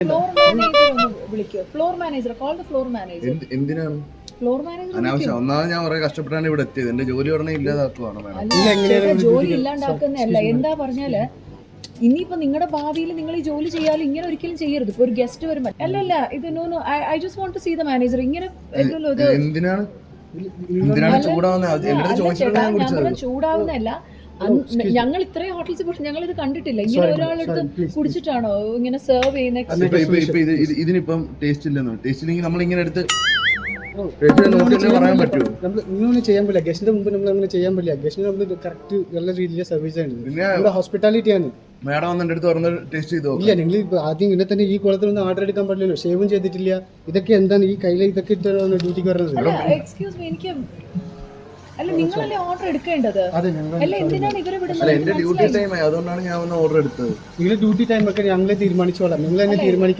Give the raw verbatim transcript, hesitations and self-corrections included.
Floor manager ഒന്ന് വിളിക്കോ? Floor manager, call the floor manager. എന്ത്- എന്തിനാണ് ഫ്ലോർ മാനേജർ അനാവശ്യം? ഒന്നാമത് ഞാൻ കുറെ കഷ്ടപ്പെട്ടാണ് ഇവിടെ എത്തിയത്. എന്റെ ജോലി ഉടനെ ഇല്ലാതാക്കുവാണ് മാഡം. അല്ല, ചേട്ടാ, ജോലി ഇല്ലാണ്ടാക്കുന്നതല്ല. എന്താ പറഞ്ഞാല് ഇനിയിപ്പോ നിങ്ങളുടെ ഭാവിയിൽ നിങ്ങൾ ഈ ജോലി ചെയ്യാലും ഇങ്ങനെ ഒരിക്കലും ചെയ്യരുത്. ഇപ്പൊ ഒരു ഗസ്റ്റ് വരുമ്പോൾ അല്ല അല്ല ഇത് no no I just want to see the manager. ഇങ്ങനെ ഇല്ലല്ലോ ഇത്. എന്തിനാണ് എന്തിനാണ് ചൂടാവുന്നത്? എന്റെ അടുത്ത് ചോദിച്ചിട്ടാണ് ഞാൻ ഞാൻ കുടിച്ചത്. പറഞ്ഞ ചൂടാവുന്നതല്ല. അന്ന് ഞങ്ങൾ ഇത്രയും ഹോട്ടൽസിൽ പോയിട്ട് ഞങ്ങൾ ഇത് കണ്ടിട്ടില്ല. ഇങ്ങനെ ഒരാളെടുത്ത് കുടിച്ചിട്ടാണോ ഇങ്ങനെ സെർവ് ചെയ്യുന്ന? ഇപ്പൊ ഇപ്പൊ ഇപ്പൊ ഇത് ഇത് ഇതിനിപ്പം ടേസ്റ്റ് ഇല്ലെന്നോ? ടേസ്റ്റ് ഇല്ലെങ്കിൽ നമ്മൾ ഇങ്ങനെ എടുത്ത് നോക്കി പറയാൻ പറ്റുമോ? നമ്മൾ ഇങ്ങനെ ചെയ്യാൻ പറ്റില്ല. ഗസ്റ്റിന്റെ മുമ്പ് നമ്മൾ അങ്ങനെ ചെയ്യാൻ പറ്റില്ല. ഗസ്റ്റിന് നമ്മൾ കറക്റ്റ് നല്ല രീതിയിലെ സർവീസ് ആണ്. പിന്നെ നമ്മുടെ ഹോസ്പിറ്റാലിറ്റി ആണ്. മാഡം വന്ന് എന്റെ അടുത്ത് പറഞ്ഞ ടേസ്റ്റ് ചെയ്തോ? ഇല്ല, നിങ്ങൾ ആദ്യം ഇങ്ങനെ തന്നെ ഈ കുളത്തിൽ നിന്ന് ഓർഡർ എടുക്കാൻ പറ്റില്ലല്ലോ. ഷേവും ചെയ്തിട്ടില്ല. ഇതൊക്കെ എന്താണ് ഈ കയ്യിൽ ഇതൊക്കെ ഇട്ടാണ് ഡ്യൂട്ടിക്ക് വരുന്നത്? അല്ല എക്സ്ക്യൂസ് മീ, എനിക്ക് അല്ല നിങ്ങളല്ലേ ഓർഡർ എടുക്കേണ്ടത്? അതെ, ഞങ്ങൾ അല്ല എന്തിനാണ് ഇവരെ അല്ല വിടുന്നത്? എന്റെ ഡ്യൂട്ടി ടൈം ആയി, അതുകൊണ്ടാണ് ഞാൻ വന്ന് ഓർഡർ എടുത്തത്. നിങ്ങളുടെ ഡ്യൂട്ടി ടൈം ഒക്കെ ഞങ്ങളെ തീരുമാനിച്ചോളാം. നിങ്ങൾ തന്നെ തീരുമാനിക്കാം.